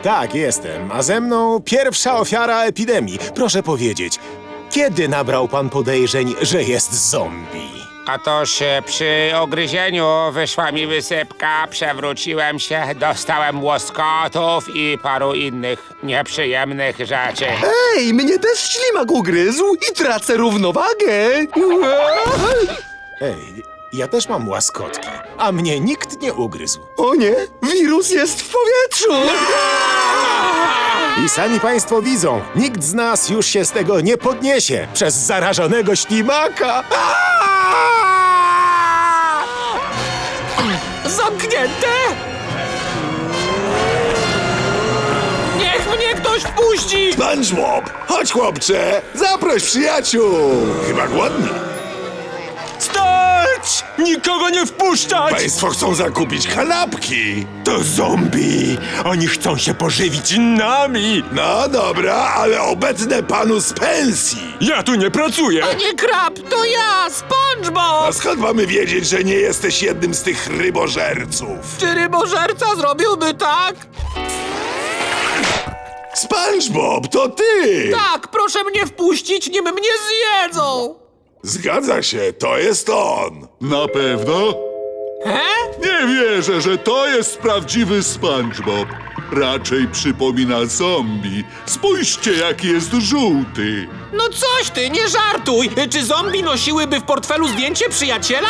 Tak, jestem. A ze mną pierwsza ofiara epidemii. Proszę powiedzieć, kiedy nabrał pan podejrzeń, że jest zombie? Otóż przy ogryzieniu wyszła mi wysypka, przewróciłem się, dostałem łoskotów i paru innych nieprzyjemnych rzeczy. Ej, mnie też ślimak ugryzł i tracę równowagę. Ej, ja też mam łaskotki, a mnie nikt nie ugryzł. O nie, wirus jest w powietrzu. I sami państwo widzą, nikt z nas już się z tego nie podniesie przez zarażonego ślimaka. Zamknięte? Niech mnie ktoś wpuści! SpongeBob, chodź chłopcze, zaproś przyjaciół. Chyba głodny. Stać! Nikogo nie wpuszczać! Państwo chcą zakupić kanapki. To zombie! Oni chcą się pożywić nami! No dobra, ale obetnę panu z pensji. Ja tu nie pracuję! Nie krab, to ja, SpongeBob! A skąd mamy wiedzieć, że nie jesteś jednym z tych rybożerców? Czy rybożerca zrobiłby tak? SpongeBob, to ty! Tak, proszę mnie wpuścić, nim mnie zjedzą! Zgadza się, to jest on. Na pewno? Nie wierzę, że to jest prawdziwy SpongeBob. Raczej przypomina zombie. Spójrzcie, jaki jest żółty. No coś ty, nie żartuj! Czy zombie nosiłyby w portfelu zdjęcie przyjaciela?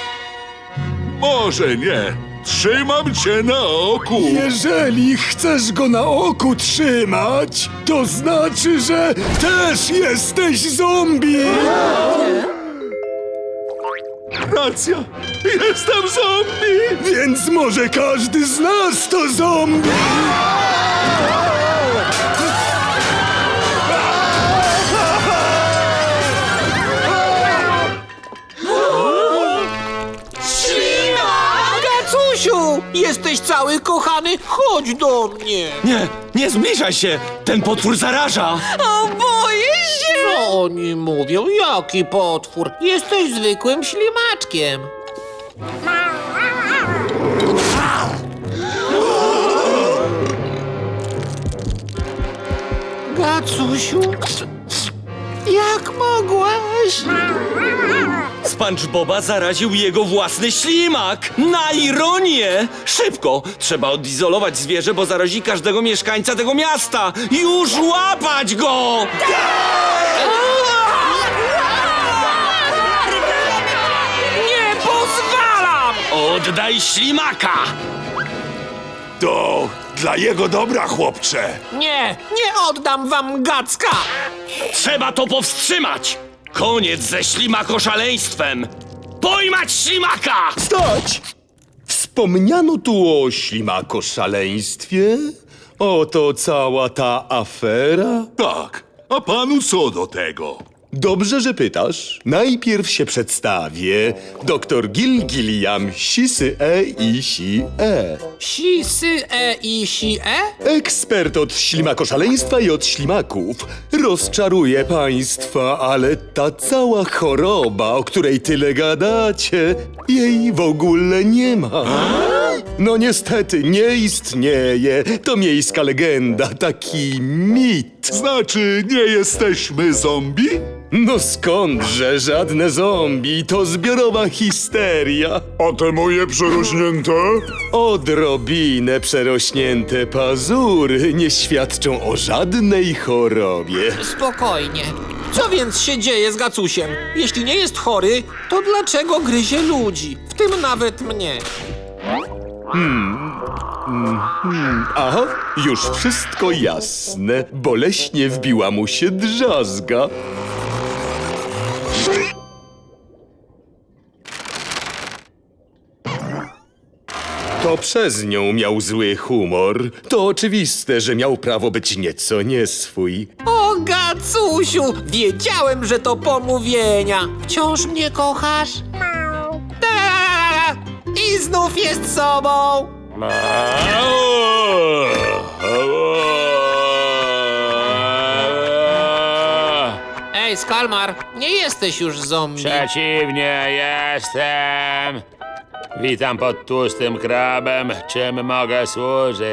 Może nie. Trzymam cię na oku. Jeżeli chcesz go na oku trzymać, to znaczy, że też jesteś zombie. Racja. Jestem zombie. Więc może każdy z nas to zombie. Gacusiu! Jesteś cały kochany, chodź do mnie! Nie, nie zbliżaj się! Ten potwór zaraża! O, boję się! Co oni mówią? Jaki potwór? Jesteś zwykłym ślimaczkiem. Gacusiu, jak mogłeś? SpongeBoba zaraził jego własny ślimak! Na ironię! Szybko! Trzeba odizolować zwierzę, bo zarazi każdego mieszkańca tego miasta! Już łapać go! Nie pozwalam! Oddaj ślimaka! To dla jego dobra, chłopcze. Nie oddam wam Gacka! Trzeba to powstrzymać! Koniec ze ślimakoszaleństwem! Pojmać ślimaka! Stać! Wspomniano tu o ślimakoszaleństwie? Oto cała ta afera? Tak. A panu co do tego? Dobrze, że pytasz. Najpierw się przedstawię. Doktor Gilliam Sisy-E. Si-sy-e. Ekspert od ślimakoszaleństwa i od ślimaków. Rozczaruję państwa, ale ta cała choroba, o której tyle gadacie, jej w ogóle nie ma. No niestety, nie istnieje. To miejska legenda, taki mit. Znaczy, nie jesteśmy zombie? No skądże żadne zombie, to zbiorowa histeria. A te moje przerośnięte? Odrobinę przerośnięte pazury nie świadczą o żadnej chorobie. Spokojnie. Co więc się dzieje z Gacusiem? Jeśli nie jest chory, to dlaczego gryzie ludzi? W tym nawet mnie. Aha, już wszystko jasne. Boleśnie wbiła mu się drzazga. To przez nią miał zły humor. To oczywiste, że miał prawo być nieco nieswój. O, Gacusiu! Wiedziałem, że to pomówienia. Wciąż mnie kochasz? Ta! I znów jest sobą. Ej, Skalmar, nie jesteś już zombie. Przeciwnie, jestem. Witam pod tłustym krabem. Czym mogę służyć?